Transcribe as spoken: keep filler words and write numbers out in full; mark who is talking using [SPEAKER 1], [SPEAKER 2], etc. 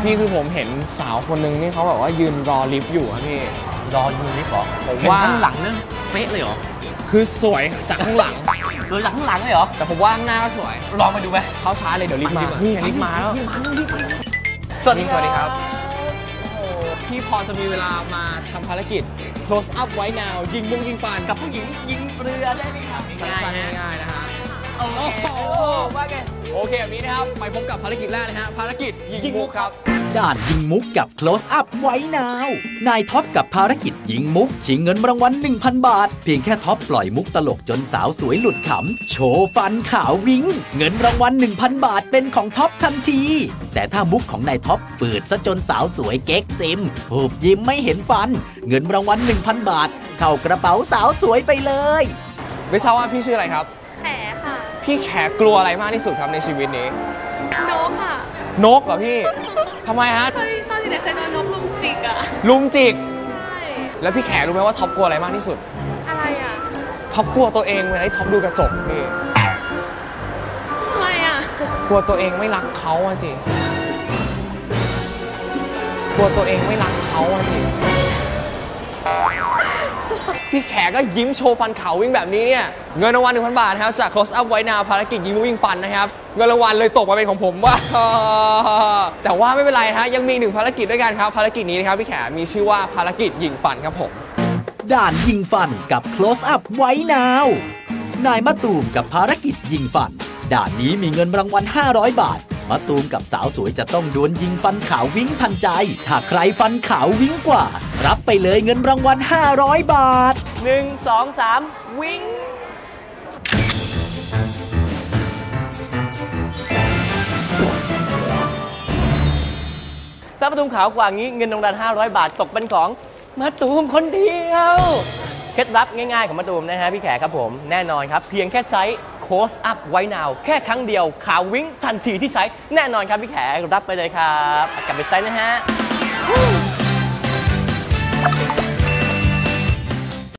[SPEAKER 1] พี่คือผมเห็นสาวคนหนึ่งนี่เขาแบบว่ายืนรอลิฟต์อยู่อะพี่
[SPEAKER 2] รอยืนลิฟต์เหรอ
[SPEAKER 1] ผมว่า
[SPEAKER 2] ข้างหลังนั่นเป๊ะเลยเหรอ
[SPEAKER 1] คือสวยจากข้างหลัง
[SPEAKER 2] สวยจากข้างหลังเลยเหรอ
[SPEAKER 1] แต่ผมว่าข้างหน้าก็สวย
[SPEAKER 2] ลองไปดูไหม
[SPEAKER 1] เขาช้าเลยเดี๋ยวลิฟต์มานี่ลิฟต์มาแล้ว
[SPEAKER 2] สวัสดี
[SPEAKER 1] สวัสดีครับพี่พอจะมีเวลามาทำภารกิจ close up ไว้ now ยิงมุ้งยิงปาน
[SPEAKER 2] กับผู้หญิงยิงเรือได้ไหมครับ
[SPEAKER 1] สั้นๆง่ายๆนะฮะ
[SPEAKER 2] โอ้โหว่าไง
[SPEAKER 1] โอเคแบบนี้นะครับไปพบกับภารกิจแรกเลยฮะภารกิจยิงมุกครับ
[SPEAKER 3] ด่านยิงมุกกับ close up ไว้นาวนายท็อปกับภารกิจยิงมุกชิงเงินรางวัล หนึ่งพัน บาทเพียงแค่ท็อปปล่อยมุกตลกจนสาวสวยหลุดขำโชว์ฟันขาววิ้งเงินรางวัล หนึ่งพัน บาทเป็นของท็อปทันทีแต่ถ้ามุกของนายท็อปฝืดซะจนสาวสวยเก๊กซิมหูบยิ้มไม่เห็นฟันเงินรางวัล หนึ่งพัน บาทเข้ากระเป๋าสาวสวยไปเลย
[SPEAKER 1] ไม่ทราบว่าพี่ชื่ออะไรครับ
[SPEAKER 4] แขค่ะ
[SPEAKER 1] พี่แขกลัวอะไรมากที่สุดครับในชีวิตนี้
[SPEAKER 4] นกค่ะ
[SPEAKER 1] นกเหรอพี่ทำไมฮะ
[SPEAKER 4] เคยตอนเด็กเคยโดนนกลุมจิกอะ
[SPEAKER 1] ลุมจิก
[SPEAKER 4] ใช่
[SPEAKER 1] แล้วพี่แขกรู้ไหมว่าท็อปกลัวอะไรมากที่สุด
[SPEAKER 4] อะไรอะ
[SPEAKER 1] ท็อปกลัวตัวเองเวลาที่ท็อปดูกระจกพี่
[SPEAKER 4] อะไรอะ
[SPEAKER 1] กลัวตัวเองไม่รักเขาอะจิกลัวตัวเองไม่รักเขาอะจิพี่แขกก็ยิ้มโชว์ฟันขาววิ่งแบบนี้เนี่ยเงินรางวัล หนึ่งพัน บาทครับจาก close up ไว้นาวภารกิจยิงวิ่งฟันนะครับเงินรางวัลเลยตกมาเป็นของผมว่าแต่ว่าไม่เป็นไรฮะยังมีหนึ่งภารกิจด้วยกันครับภารกิจนี้นะครับพี่แขกมีชื่อว่าภารกิจยิงฟันครับผม
[SPEAKER 3] ด่านยิงฟันกับ close up ไว้นาวนายมะตูมกับภารกิจยิงฟันด่านนี้มีเงินรางวัลห้าร้อยบาทมะตูมกับสาวสวยจะต้องดวลยิงฟันขาววิ้งทันใจถ้าใครฟันขาววิ้งกว่ารับไปเลยเงินรางวัลห้าร้อยบาท
[SPEAKER 2] หนึ่ง สอง สามวิ้งสาวมะตูมขาวกว่างี้เงินรางวัลห้าร้อยบาทตกเป็นของมะตูมคนเดียวเคล็ดลับง่ายๆของมะตูมนะฮะพี่แขกครับผมแน่นอนครับเพียงแค่ใช้ close up ไว้นาวแค่ครั้งเดียวขาววิ้งทันทีที่ใช้แน่นอนครับพี่แขกรับไปเลยครับกลับไปใช้นะฮะ